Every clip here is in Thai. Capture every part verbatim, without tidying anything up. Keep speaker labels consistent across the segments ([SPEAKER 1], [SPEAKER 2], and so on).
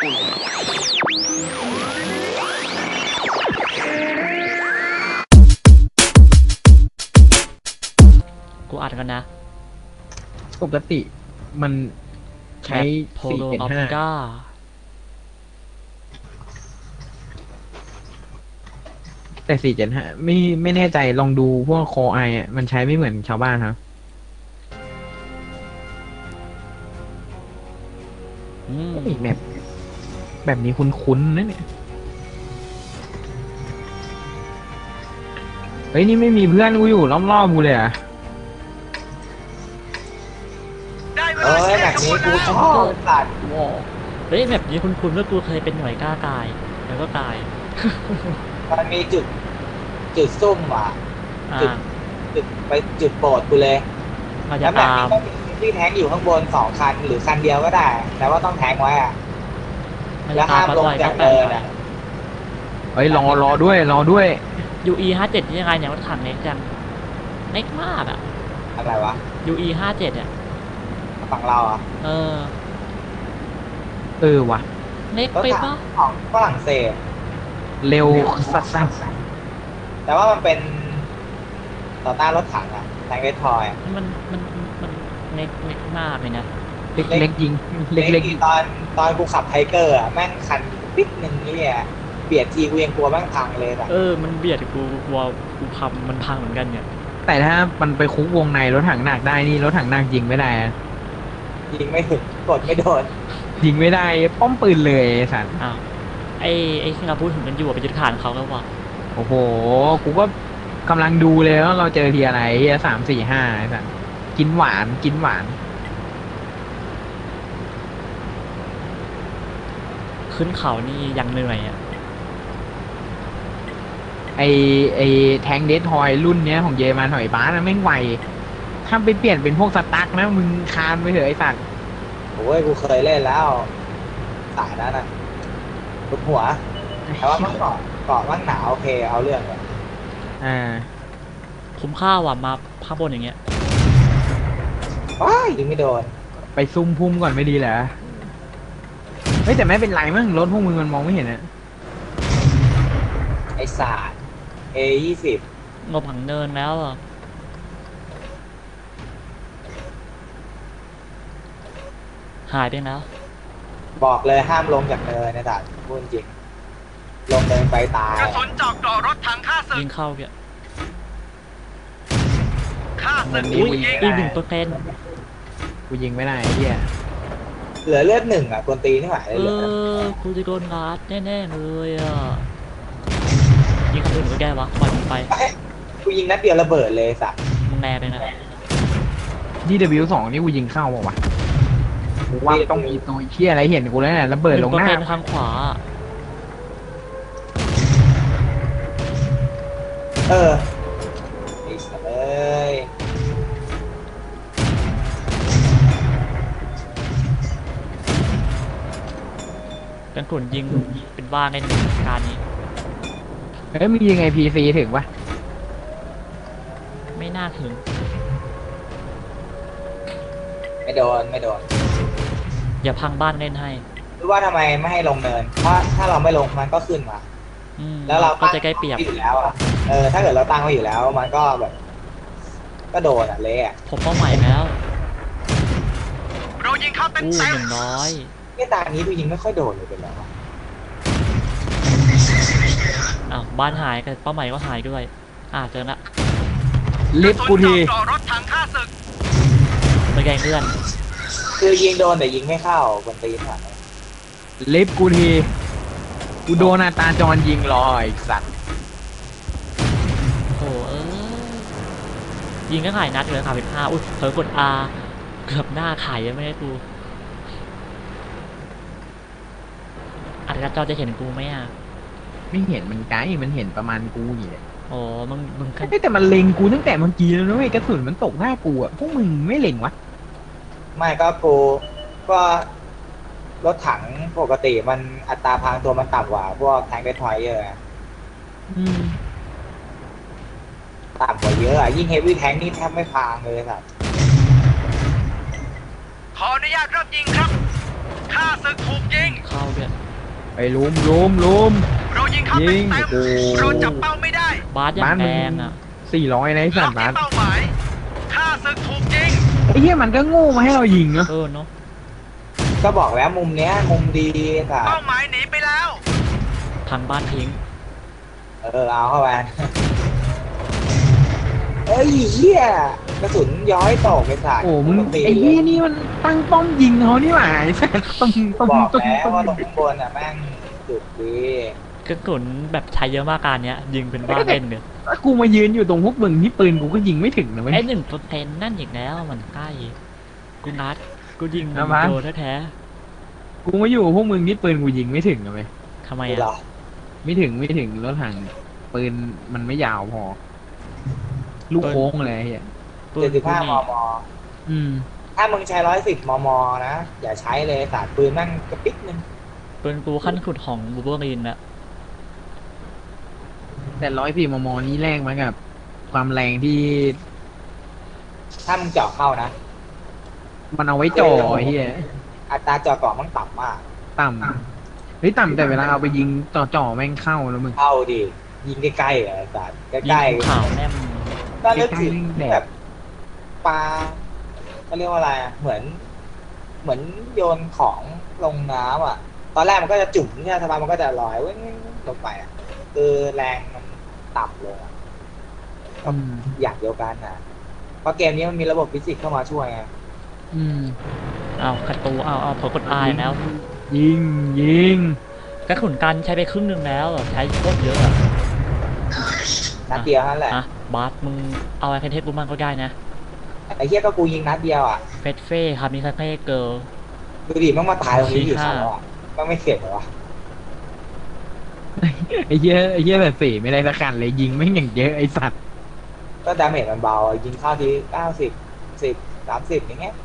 [SPEAKER 1] กูอัดกันนะ
[SPEAKER 2] ปกติมันใช้
[SPEAKER 1] โพ
[SPEAKER 2] สี่
[SPEAKER 1] โลออฟ
[SPEAKER 2] เจ็ดห้า
[SPEAKER 1] ก้า
[SPEAKER 2] แต่สี่เจ็ดห้าไม่ไม่แน่ใจลองดูพวกโคไออ่ะมันใช้ไม่เหมือนชาวบ้านครับ
[SPEAKER 1] อืม
[SPEAKER 2] แบบแบบนี้คุ้นๆนะเนี่ยเฮ้ยนี่ไม่มีเพื่อนกูอยู่รอบๆกูเลยอ่ะ
[SPEAKER 3] เอ้ยแบบนี้กูชอบสัตว์
[SPEAKER 1] ว้าวเฮ้ยแบบนี้คุณคุณเมื่อกูเคยเป็นหน่วยกล้ากายแล้วก็กาย
[SPEAKER 3] มันมีจุดจุดซุ่มว่ะ
[SPEAKER 1] อ่า
[SPEAKER 3] จุดจุดไปจุดโปรดกูเลย
[SPEAKER 1] มาจะ
[SPEAKER 3] แล้วแบบ
[SPEAKER 1] ตา
[SPEAKER 3] นี้
[SPEAKER 1] ม
[SPEAKER 3] ก็มีที่แทงอยู่ข้างบนสองคันหรือคันเดียวก็ได้ แต่ว่าต้องแทงไว้อะ
[SPEAKER 1] มา
[SPEAKER 3] แล้
[SPEAKER 1] จะ
[SPEAKER 3] ว
[SPEAKER 1] ตา
[SPEAKER 3] ห้าม ม
[SPEAKER 1] มา
[SPEAKER 3] ลง
[SPEAKER 1] ต่อย
[SPEAKER 3] จา
[SPEAKER 1] ก็
[SPEAKER 3] ก
[SPEAKER 1] แปล
[SPEAKER 3] เนิน
[SPEAKER 1] ก
[SPEAKER 3] อะ
[SPEAKER 2] เฮ้ยรอรอด้วยรอด้วย
[SPEAKER 1] ยูอีห้าเจ็ดยังไงเนี่ยรถถังเล็กจังเล็กมากอ่ะ
[SPEAKER 3] อะไรวะ
[SPEAKER 1] ยูอีห้าเจ็ดอ่ะ
[SPEAKER 3] ฝั่งเราอ่ะ
[SPEAKER 1] เออ
[SPEAKER 2] เออว่ะ
[SPEAKER 1] เล็ก
[SPEAKER 3] รถ
[SPEAKER 1] ไป
[SPEAKER 3] ถั
[SPEAKER 1] ปะ
[SPEAKER 3] งของฝรั่งเศส
[SPEAKER 2] เร็วสัส
[SPEAKER 3] แต่ว่ามันเป็นต่อต้านรถถังอะแทงเวททอยอะ
[SPEAKER 1] มันมันมันเล็กเล็กมากเลยนะ
[SPEAKER 2] ๆเล็กเล็กยิงเล็กเล็ก
[SPEAKER 3] ที่ตอนตอนกูขับไทเกอร์อะแม่งคันปิ๊กหนึ่งนี่อะเบียดทีกูยังกลัวแม่งพังเลยอะ
[SPEAKER 1] เออมันเบียดกูกลัวกูพังมันพังเหมือนกันเนี่ย
[SPEAKER 2] แต่ถ้ามันไปคุกวงในรถถังหนักได้นี่รถถังหนักยิงไม่ได้อะ
[SPEAKER 3] ยิงไม่ถึงกดไม่โดน
[SPEAKER 2] ยิงไม่ได้ป้อมปืนเลยไอ้สัน
[SPEAKER 1] อ้าวไอ้ไอ้ที่เราพูดถึงกันอยู่อะไปยึดฐานเขาแล้วว่ะ
[SPEAKER 2] โอ้โหกูก็กำลังดูเลยว่าเราเจอทีอะไรเฮียสามสี่ห้าไอ้สันกินหวานกินหวาน
[SPEAKER 1] ขึ้นเขานี่ยังเหนื่อยอ่ะ
[SPEAKER 2] ไอไอแทงเดททอยรุ่นเนี้ยของเยอรมันหอยบ้านะแม่งไวถ้าไปเปลี่ยนเป็นพวกสตั๊กนะมึงคานไปเถอะไอสัตว์
[SPEAKER 3] โอ้ยกูเคยเล่นแล้วสายนั้นน่ะลุกหัว แต่ว่ามันเกาะเกาะมันหนาวโอเคเอาเรื่องเลย
[SPEAKER 2] อ่า
[SPEAKER 1] คุ้มค่าว่ะมาภาพบนอย่างเงี้ย
[SPEAKER 3] ว้ายยิงไม่โดน
[SPEAKER 2] ไปซุ่มพุ่มก่อนไม่ดีเหรอเฮ้ยแต่ไม่เป็นไรมั้งรถพวกมึงมันมองไม่เห็นอะ
[SPEAKER 3] ไอศาสตร์ เอ ยี่สิบ
[SPEAKER 1] งบผังเนินแล้วเหรอหายไปแล้ว
[SPEAKER 3] บอกเลยห้ามลงจากเนินนะจ๊ะพูดจริงลงเนินไปตาย
[SPEAKER 4] กระสุนเจาะเกราะรถถังฆ่าศึ
[SPEAKER 1] ยิ
[SPEAKER 4] ก
[SPEAKER 1] งเข้าเกี่ย
[SPEAKER 4] ฆ่าศึก
[SPEAKER 1] อุ้ย
[SPEAKER 4] ยิง
[SPEAKER 1] อีกหนึ่งเปอร์เซ็นต์
[SPEAKER 2] กูยิงไม่ได้ไอ้เฮีย
[SPEAKER 3] เหลือเลือดหนึ่งอ่ะคนตีนี่หมาย
[SPEAKER 1] เอ
[SPEAKER 3] เลยเหลือ
[SPEAKER 1] อกูจะโดนรัดแน่ๆเลยอ่ะยิงคนอื่นก็แก้วะปล่อยมันไป
[SPEAKER 3] กูยิงนัดเดียวระเบิดเลยสัตว์
[SPEAKER 1] มึงแน่ไปนะ
[SPEAKER 2] ดีดับบิวสองนี่กูยิงเข้าเปล่าวะกูว่าต้องมีตัวเชี่ยอะไรเห็นกูแล้วเนี่ยระเบิด
[SPEAKER 1] ห
[SPEAKER 2] ล
[SPEAKER 1] นึ่
[SPEAKER 2] ง
[SPEAKER 1] งเปอ
[SPEAKER 2] ห
[SPEAKER 1] ร์
[SPEAKER 2] น้า
[SPEAKER 1] เซ็นต์ข้างขวา
[SPEAKER 3] เออไอ้สัตว์เอ้ย
[SPEAKER 1] กันกลุ่นยิงเป็นบ้าในหนึ่งการนี้
[SPEAKER 2] เฮ้ยมึงยิงไอพีซีถึงปะ
[SPEAKER 1] ไม่น่าถึง
[SPEAKER 3] ไม่โดนไม่โดน
[SPEAKER 1] อย่าพังบ้านเล่นให้
[SPEAKER 3] รู้ว่าทำไมไม่ให้ลงเนิน เพราะถ้าเราไม่ลงมันก็ขึ้นมา
[SPEAKER 1] อืม
[SPEAKER 3] แล้วเรา
[SPEAKER 1] ก็จะใกล้เปรียบ
[SPEAKER 3] ตั้งไว้อยู่แล้วอ่ะ เออ ถ้าเกิดเราตั้งไว้อยู่แล้ว มันก็แบบ ก็โดนอ่ะเละอ่ะ
[SPEAKER 1] ผมเป้าหมายแล้ว
[SPEAKER 4] เรายิงเข้าเต็ม
[SPEAKER 1] อู้
[SPEAKER 4] เต็
[SPEAKER 1] ห
[SPEAKER 4] ม
[SPEAKER 1] นึ่งร้อย
[SPEAKER 3] นี่ตานี้ดูยิงไม่ค่อยโดนเลยเป็นแล้วะ
[SPEAKER 1] อ้าวบ้านหายกับเป้าหมายก็หายด้วย อ่าเจอละ
[SPEAKER 2] ลิฟต์กูที
[SPEAKER 4] กระสุนเจาะเกราะรถถังฆ่าศึก
[SPEAKER 1] ไปแกล้งเพื่อน
[SPEAKER 3] คือยิงโดนแต่ยิงไม่เข้าคนตีนอ่ะ
[SPEAKER 2] ลิฟต์กูทีกูโดนอาตาจรยิงรอไอ้สัตว์
[SPEAKER 1] โอ้เออยิงก็หายนัดเลยค่ะเป็นห้าอุ้ยเผลอกด R เกือบหน้าไข่ยังไม่ได้กูอัดกระจอจะเห็นกูไหมอ่ะ
[SPEAKER 2] ไม่เห็นมันไกลมันเห็นประมาณกูอยู่เลย
[SPEAKER 1] โอ้มึงมึงกัน
[SPEAKER 2] เฮ้ยแต่มันเล็งกูตั้งแต่เมื่อกี้แล้วนะเว้ยกระสุนมันตกหน้ากูอะพวกมึงไม่เล็งวะ
[SPEAKER 3] ไม่ก็กูก็รถถังปกติมันอัตราพรางตัวมันต่ำกว่า พวกแทงเบททอยเยอะ
[SPEAKER 2] อืม
[SPEAKER 3] ต่ำกว่าเยอะอ่ะ ยิ่งเฮฟวี่แทงนี่แทบไม่พรางเลยครับ
[SPEAKER 4] ขออนุญาตเริ่มยิงครับฆ่าศึกถูกยิง
[SPEAKER 1] เข้าด้วย
[SPEAKER 2] ไปลุมลุมลุม
[SPEAKER 4] เรายิงเข้าเต็
[SPEAKER 2] ยิ
[SPEAKER 4] ม
[SPEAKER 2] ง
[SPEAKER 4] เต็ม
[SPEAKER 2] โอ้โห
[SPEAKER 4] เราจับเป้าไม่ได้
[SPEAKER 1] บาสอย่างแดงอ่ะ
[SPEAKER 2] สี่ร้อยนะไอ้สั
[SPEAKER 4] ล็
[SPEAKER 2] ต
[SPEAKER 4] อก
[SPEAKER 2] ว์บา
[SPEAKER 4] ที่
[SPEAKER 2] ส
[SPEAKER 4] เป้าหมายข้าศึกถูกยิง
[SPEAKER 2] ไอ้เหี้ยมันก็โง่มาให้เรายิงเนาะ
[SPEAKER 1] เออเนาะ
[SPEAKER 3] ก็บอกแล้วมุมเนี้ยมุมดีค่ะ
[SPEAKER 4] เป้าหมายหนีไปแล้ว
[SPEAKER 1] พังบ้านทิ้ง
[SPEAKER 3] เออเอาเข้าไปเอ้ยเหี้ยกระสุนย้อยตกไปสาย
[SPEAKER 2] โอ้มึง
[SPEAKER 3] ตี
[SPEAKER 2] ไอ้เหี้ยนี่มันตั้งป้อมยิงเขานี่หว่าไอ้สัตว์ตุ้มตุ้ม
[SPEAKER 3] บอก
[SPEAKER 2] ตุ้ม
[SPEAKER 3] แล้ว
[SPEAKER 2] ตุ้ม
[SPEAKER 3] ว่าตรงข้างบนอ่ะแม่งจุดดี
[SPEAKER 1] กระสุนแบบใช้เยอะมากการเนี้ย ยิงเป็นบ้าเล่นเลย
[SPEAKER 2] แล้วกูมายืนอยู่ตรงพวกมึงที่ปืนกูก็ยิงไม่ถึงนะเว้ย
[SPEAKER 1] ไอ้หนึ่งเปอร์เซ็นต์นั่นอีกแล้วมันใกล้ กูนัด กูยิง
[SPEAKER 2] เอามา
[SPEAKER 1] โดนแท้
[SPEAKER 2] กูมาอยู่กับพวกมึงที่ปืนกูยิงไม่ถึงนะเว้ย
[SPEAKER 1] ๆทำไม
[SPEAKER 3] ดูเหร
[SPEAKER 1] อ่ะ
[SPEAKER 3] อ
[SPEAKER 2] ไม่ถึงไม่ถึงรถถังปืนมันไม่ยาวพอ ลูกโค้งเลยไอ้เหี้ย
[SPEAKER 1] ปื
[SPEAKER 3] เจ็
[SPEAKER 1] น
[SPEAKER 3] ดสิบ
[SPEAKER 1] กู
[SPEAKER 3] ห้า
[SPEAKER 1] นี่
[SPEAKER 3] มม
[SPEAKER 2] อืม
[SPEAKER 3] ถ้ามึงใช้ร้อยสิบมมนะ อย่าใช้เลยสาดปืนแม่งกระปิกนึง
[SPEAKER 1] ปืนกูขั้นขุดของบูเบอรีนอะ
[SPEAKER 2] แต่ร้อยสี่มมนี้แรงมากับ ความแรงที่
[SPEAKER 3] ถ้ามึงเจาะเข้านะ
[SPEAKER 2] มันเอาไว้จ่อไอ้เหี้ย
[SPEAKER 3] อัตราเจาะเกาะมันต่ำมาก
[SPEAKER 2] ต่ำเฮ้ยต่ำแต่เวลาเอาไปยิงจ่อจ่อๆแม่งเข้าแล้วมึง
[SPEAKER 3] เข้าดิยิงใกล้ๆอ่ะสาดใก
[SPEAKER 1] ยิ
[SPEAKER 3] ล้
[SPEAKER 1] งข่าวแนม
[SPEAKER 3] ๆก็นึกถึง
[SPEAKER 2] ใกล้ๆแดด
[SPEAKER 3] แบบปลาเขาเรียกว่าอะไรอ่ะเหมือน เหมือนโยนของลงน้ำอ่ะ ตอนแรกมันก็จะจุ่มเนี่ยทำไมมันก็จะลอยเว้ยลงไปอ่ะคือแรงมันต่ำลงอ่ะ
[SPEAKER 2] อืม
[SPEAKER 3] อย่างเดียวกันนะเพราะเกมนี้มันมีระบบฟิสิกส์เข้ามาช่วยไง
[SPEAKER 2] อืม
[SPEAKER 1] เอากระตูเอาเอาเผลอกดอายแล้ว
[SPEAKER 2] ยิงยิง
[SPEAKER 1] กระสุนกันใช้ไปครึ่งหนึงแล้วอะใช้โคตรเยอะอะ
[SPEAKER 3] นัดเดียวนั่นแหละ
[SPEAKER 1] อะบาสมึงเอาไอ้เพนเทสกูมั่งก็ได้นะ
[SPEAKER 3] ไอ้เหี้ยก็กูยิงนัดเดียวอ่ะ
[SPEAKER 1] เฟสเฟ่ครับมีคาเฟ่เกิร์ล
[SPEAKER 3] ดูดิมันมาตายตรงนี้อยู่
[SPEAKER 1] ชี้
[SPEAKER 3] สอ
[SPEAKER 1] ข้าง
[SPEAKER 3] อ่ะมันไม่เสียเหรอวะ
[SPEAKER 2] ไอ้เหี้ยไอ้เหี้ยแบบสี่ไม่ได้สักคันเลยยิงไม่งอย่างเยอะไอ้สัตว์
[SPEAKER 3] ก็ดาเมจมันเบายิงเข้าทีเก้าสิบสิบสามสิบอย่างเงี้ย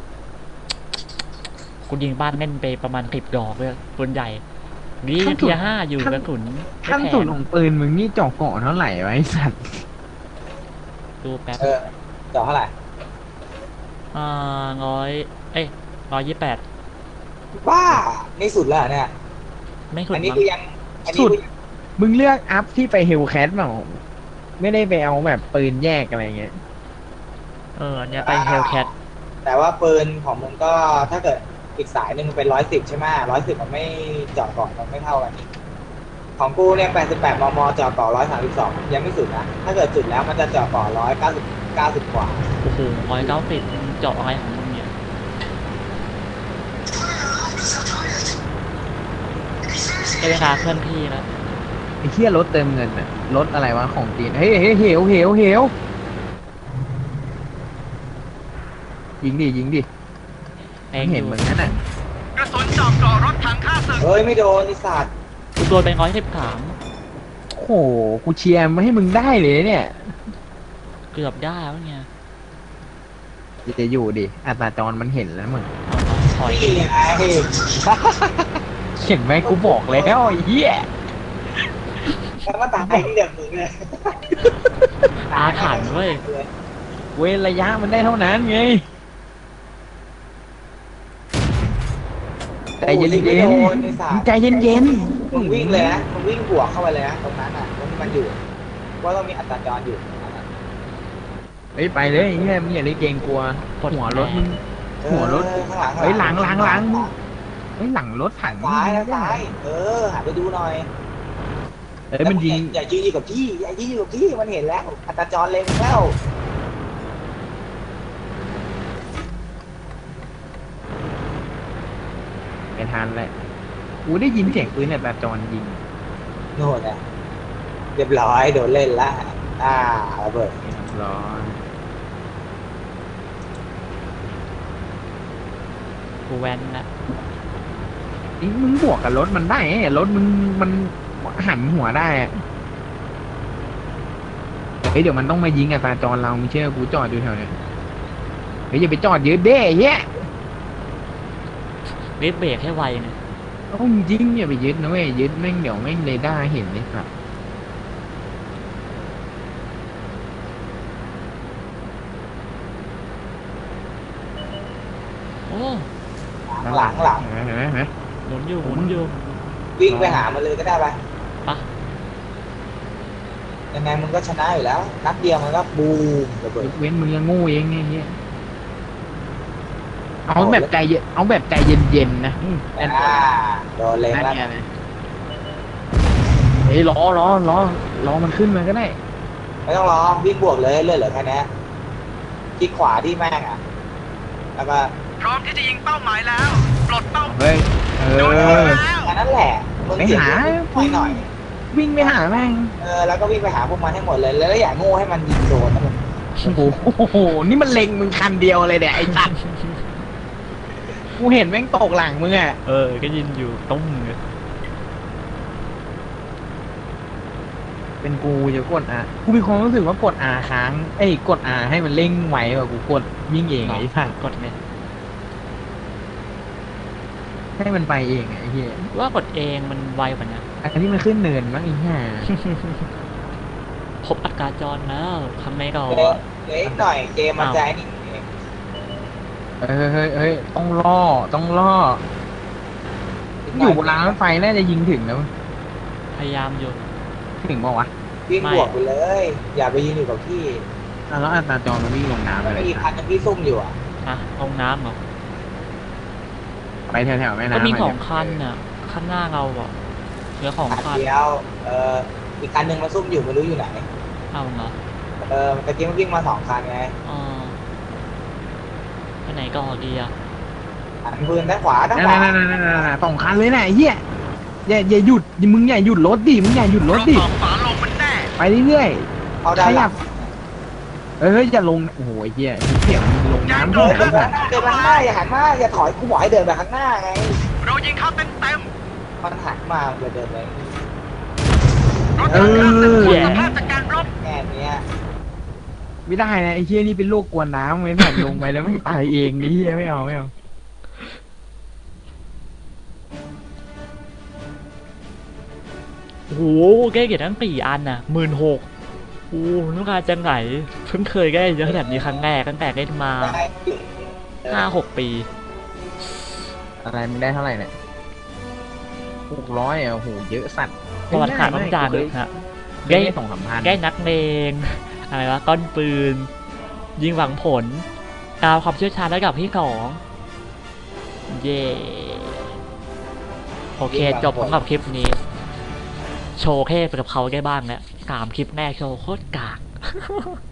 [SPEAKER 1] กูยิงบ้านแม่นไปประมาณสิบดอกเลยปืนใหญ่นี่เทียห้าอยู่กระสุนไม่
[SPEAKER 2] ขั้น
[SPEAKER 1] แพ
[SPEAKER 2] สุด
[SPEAKER 1] ง
[SPEAKER 2] ของปืนมึงนี่จ่อเกาะเท่าไหร่วะไอ้สัตว์
[SPEAKER 1] ดูแป๊บ
[SPEAKER 3] เออเจาะเท่าไหร่
[SPEAKER 1] อ่าร้อยเอ้ยร้อยยี่แปด
[SPEAKER 3] บ้านี่สุดแล้วเหรอเนี่ย
[SPEAKER 1] ไม่ขุด
[SPEAKER 3] อันนี้
[SPEAKER 1] มั้ง
[SPEAKER 3] คือยังอันนี้
[SPEAKER 2] สุด
[SPEAKER 3] คือยัง
[SPEAKER 2] มึงเลือกอัพที่ไปเฮลแคทเปล่าไม่ได้ไปเอาแบบปืนแยกอะไรเงี้ย
[SPEAKER 1] เออเนี่ยไปเฮลแคท
[SPEAKER 3] แต่ว่าปืนของมึงก็ถ้าเกิดอีกสายหนึ่งเป็นร้อยสิบใช่ไหมร้อยสิบมันไม่เจาะเกาะมันไม่เท่ากันนี่ของกูเนี่ยแปดสิบแปดมมเจาะเกาะร้อยสามสิบสองยังไม่สุดนะถ้าเกิดสุดแล้วมันจะเจาะเกาะร้อยเก้าสิบเก้าสิบกว่า
[SPEAKER 1] โอ้โหร้อยเก้าสิบเจาะอะไรของมึงเนี่ยได้เวลาเคลื่อนที่แล้ว
[SPEAKER 2] ไอ้เหี้ยรถเติมเงินอะรถอะไรวะของจีนเฮ้ยเฮ้ยเหวเหวเหวยิงดิยิงดิ
[SPEAKER 1] เอง
[SPEAKER 2] เห็น
[SPEAKER 1] อยู่
[SPEAKER 2] เหมือนนั้นอ่ะ
[SPEAKER 4] กระสุนเจาะเกราะรถถังข้าศึก
[SPEAKER 3] เฮ้ยไม่โดนไอ้สัตว์
[SPEAKER 1] กูโดนไปร้อยสิบสาม
[SPEAKER 2] โอ้โหกูเชียร์มาให้มึงได้เลยเนี่ย
[SPEAKER 1] เกือบได้แล้วเนี่ย
[SPEAKER 2] จะอยู่ดิอัตราจรมันเห็นแล้วมึง
[SPEAKER 1] เอาเอาถอย
[SPEAKER 3] นี่ไง
[SPEAKER 2] เห็นไหมกูบอกแล้วไอ้เหี้ย
[SPEAKER 3] แล้วมาตายที่เดิมมึงเลย
[SPEAKER 1] อาถรรพ์เว้ย
[SPEAKER 2] เว้นระยะมันได้เท่านั้นไงใจเย็น
[SPEAKER 3] โอ้
[SPEAKER 2] เย็
[SPEAKER 3] โห
[SPEAKER 2] น
[SPEAKER 3] ไอ้สัตว์
[SPEAKER 2] ใจเย็นเย็น
[SPEAKER 3] มึงวิ่งเลยนะมึงวิ่งบวกเข้าไปเลยนะตรงนั้นอ่ะตรงที่มันอยู่ว่าต้องมีอัตราจรอยู่
[SPEAKER 2] เฮ้ยไปเลยไอ้เหี้ยมึงอย่าได้เกรงกลัว
[SPEAKER 1] กด
[SPEAKER 2] หัวรถมึง
[SPEAKER 3] เออ
[SPEAKER 2] หัวรถ
[SPEAKER 3] ข้างหลัง
[SPEAKER 2] เฮ้ยหลังหลังหลัง เฮ้ยหลังรถถัง
[SPEAKER 3] ซ้ายนะซ้ายเออหันไปดูหน่อย
[SPEAKER 2] เฮ้ยมันยิง
[SPEAKER 3] อย่ายืนอยู่กับที่อย่ายืนอยู่กับที่มันเห็นแล้ว อัตราจรเล็งแล้ว
[SPEAKER 2] ไม่ทันแหละกูได้ยินเสียงปืนเนี่ยแต่จอนยิง
[SPEAKER 3] โน่นน่ะเรียบร้อยโดนเล่นละอ่าระเบิด
[SPEAKER 2] เรียบร้อย
[SPEAKER 1] กูแวนนะ
[SPEAKER 2] นี่มึงบวกกับรถมันได้ไงรถมึงมันหันหัวได้อะเฮ้ยเดี๋ยวมันต้องมายิงอัตราจรเราไม่เชื่อกูจอดอยู่แถวเนี้ยเฮ้ยอย่าไปจอดเยอะเด้เฮ้ย
[SPEAKER 1] รีบเบรกให้ไวนะ
[SPEAKER 2] โอ้ยจริงอย่าไปยึดนะเว้ยยึดแม่งเดี๋ยวแม่งเรดาร์เห็นเลยครับ
[SPEAKER 1] โอ้
[SPEAKER 3] หลังหลัง
[SPEAKER 2] เห็นไหมเห็นไหมเห็นไหม
[SPEAKER 1] หมุนอยู่หมุนอยู่
[SPEAKER 3] วิ่งไปหามันเลยก็ได้ไป
[SPEAKER 1] ปะ
[SPEAKER 3] ยังไงมึงก็ชนะอยู่แล้ว นัดเดียวมันก็บูมระเบิด
[SPEAKER 2] ยกเว้นมึงยังโง่เองไงเฮียเอาแบบใจเย็นเอาแบบใจเย็นๆนะอืมนั่น
[SPEAKER 3] อ่าโดนเล็ง
[SPEAKER 2] นั่น
[SPEAKER 3] แล้ว
[SPEAKER 2] ไงนะเฮ้ยล้อล้อล้อล้อมันขึ้นมาก็ได้
[SPEAKER 3] ไม่ต้องรอวิ่งบวกเลยเลื่อนเหลือแค่นี้ที่ขวาที่แม่งอ่ะแล้วก็
[SPEAKER 4] พร้อมที่จะยิงเป้าหมายแล้ว ปลดเป้า
[SPEAKER 2] เฮ้ยเอ
[SPEAKER 4] โดน
[SPEAKER 2] อ
[SPEAKER 4] แล้ว
[SPEAKER 3] แค่นั้นแหละมึง
[SPEAKER 2] ไป
[SPEAKER 3] เสีย
[SPEAKER 2] หา
[SPEAKER 3] หน่อยหน่อย
[SPEAKER 2] วิ่งไปหาแม่ง
[SPEAKER 3] เออแล้วก็วิ่งไปหาพวกมันให้หมดเลยแล้วอย่าโง่ให้มันยิงโดนนะมึง
[SPEAKER 2] โอ้โหโอ้โหนี่มันเล็งมึงคันเดียวเลยเนี่ยไอ้สัตว์กูเห็นแม่งตกหลังมึงอ่ะ
[SPEAKER 1] เออ ก็ยินอยู่ตุ้มเลย
[SPEAKER 2] เป็นกูจะกดอ่ะกูมีความรู้สึกว่ากด R ค้างเอ้ยกด R ให้มันเร่งไวกว่ากูกดวิ่งเองไอ้สัตว์
[SPEAKER 1] กดเนี่ย
[SPEAKER 2] ให้มันไปเองไอ้เหี้ย
[SPEAKER 1] ว่ากดเองมันไวกว่านะ
[SPEAKER 2] อันนี้มันขึ้นเนินมั้งไอ้ห่า
[SPEAKER 1] พบอัตราจรแล้วทำไมก็
[SPEAKER 3] เดี๋ยวเดี๋ยวอีกหน่อยเกมมันจะไอ้นี่เอง
[SPEAKER 2] เฮ้ยเฮ้ยเฮ้ยต้องล่อต้องล่ออยู่บนรางรถไฟน่าจะยิงถึงนะ
[SPEAKER 1] พยายามอยู่
[SPEAKER 2] ถึงบอกวะ
[SPEAKER 3] วิ่ง
[SPEAKER 1] ไม่
[SPEAKER 3] บวกไปเลย อย่าไปยืนอยู่กับที่
[SPEAKER 2] อ่ะแล้วอัตราจรมันวิ่งลงน้ำไป
[SPEAKER 3] มัน
[SPEAKER 2] เล
[SPEAKER 3] ไม่
[SPEAKER 2] ย
[SPEAKER 3] มีคันนึงที่ซุ่มอยู่อ่ะ
[SPEAKER 1] อะลงน้ำเหรอ
[SPEAKER 2] ไปแถวๆแม่น้ำ
[SPEAKER 1] ก็มี
[SPEAKER 2] ะ
[SPEAKER 1] สองคันน่ะข้างหน้าเราอ่ะเหลือของ
[SPEAKER 3] คัน
[SPEAKER 1] คัน
[SPEAKER 3] เดียวเอออีกคันหนึ่งมันซุ่มอยู่ไม่รู้อยู่ไหน
[SPEAKER 1] เอาเหรอ
[SPEAKER 3] เออตะกี้มันวิ่งมาสองคันไง
[SPEAKER 1] อ๋อไปไหนก็ดีอ่ะ
[SPEAKER 3] หันปืนด้านขวาด้าน
[SPEAKER 2] นั่
[SPEAKER 3] ขวา
[SPEAKER 2] นๆๆๆๆสองคันเลยนะไอ้เหี้ยอย่าอย่าหยุดมึงอย่าหยุดรถดิมึงอย่าหยุดร
[SPEAKER 4] ร
[SPEAKER 2] ถ
[SPEAKER 4] ถ
[SPEAKER 2] ดิ
[SPEAKER 4] สองฝาลงมันแน่
[SPEAKER 2] ไปเรื่อย
[SPEAKER 3] เขา
[SPEAKER 2] ๆ
[SPEAKER 3] ด้า
[SPEAKER 2] ข
[SPEAKER 3] นห
[SPEAKER 2] ยั
[SPEAKER 3] ลั
[SPEAKER 2] บ
[SPEAKER 3] ง
[SPEAKER 2] เอ้ยอย่าลงโอ้โหไอ้เหี้ยเสียงมึงลงน้ำ
[SPEAKER 3] เดิ
[SPEAKER 2] ด้วย
[SPEAKER 3] นไปข้างหน้าเดินไปข้างหน้าอย่าหันมาอย่าถอยกูบอกให้เดินไปข้างหน้าไง
[SPEAKER 4] เรายิงเข้าเต็มเต็ม
[SPEAKER 3] มันหันมาจะเดินไป
[SPEAKER 4] ๆรถถังข้าศึกหมดสภาพจากการรบ
[SPEAKER 3] แค่เนี้ย
[SPEAKER 2] ไม่ได้นะไอ้เหี้ยนี่เป็นโรคกลัวน้ำไม่ผ่านลงไปแล้วไม่ตายเองไอ้เหี้ยไม่เอาไม่เอา
[SPEAKER 1] โอ้โหแก้เกียรติทั้งสี่อันน่ะหมื่นหกโอ้ต้องการจังไหนเพิ่งเคยแก้เยอะขนาดนี้ครั้งแรกตั้งแต่เล่นมา
[SPEAKER 3] ได้เออ
[SPEAKER 1] ห้าหกปี
[SPEAKER 2] อะไรมึงได้เท่าไหร่เนี่ยหกร้อยอ่ะโอ้โหเยอะสัตว์
[SPEAKER 1] ประวัติศาสตร์ต้องจานเลยฮะ
[SPEAKER 2] ได้
[SPEAKER 1] ได้
[SPEAKER 2] สองสามพัน
[SPEAKER 1] ได้นักเลงอะไรวะก้อนปืน ยิงหวังผลกาวความเชี่ยวชาญระดับที่สองเย่โอเค จบสำหรับคลิปนี้ โชว์แค่ไปกับเขาได้บ้างแล้วสามคลิปแรกโชว์โคตรกาก